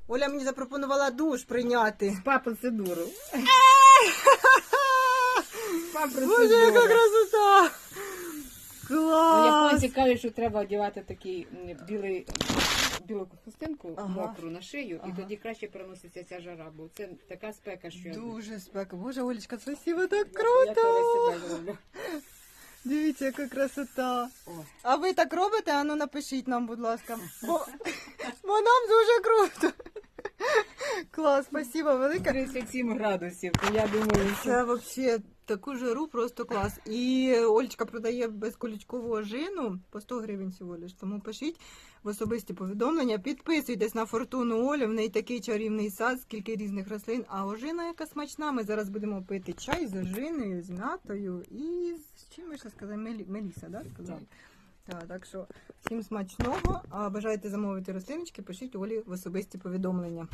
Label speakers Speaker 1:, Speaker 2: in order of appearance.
Speaker 1: Оля мені запропонувала душ прийняти.
Speaker 2: Спа-процедуру.
Speaker 1: Боже, яка красота! Клас!
Speaker 2: Японці кажуть, що треба одягати такий білу хустинку мокру на шию, і тоді краще переноситься ця жара, бо це така спека, що
Speaker 1: Дуже спека. Боже, Олечка, спасибо, так
Speaker 2: я
Speaker 1: круто!
Speaker 2: себе зроблю.
Speaker 1: Дивіться, яка красота.
Speaker 2: Ой.
Speaker 1: А ви так робите? Ану напишіть нам, будь ласка. Бо нам дуже круто. Клас, спасибо велике.
Speaker 2: 37 градусів, то я думаю, що...
Speaker 1: Це взагалі таку жару просто клас. І Олечка продає безколючкову ожину по 100 гривень всього лиш. Тому пишіть в особисті повідомлення, підписуйтесь на Фортуну Олю, в неї такий чарівний сад, скільки різних рослин. А ожина яка смачна. Ми зараз будемо пити чай з ожиною, з м'ятою і з чим ми ще сказали? Меліса, да? Сказали? Так що всім смачного. А бажаєте замовити рослиночки, пишіть Олі в особисті повідомлення.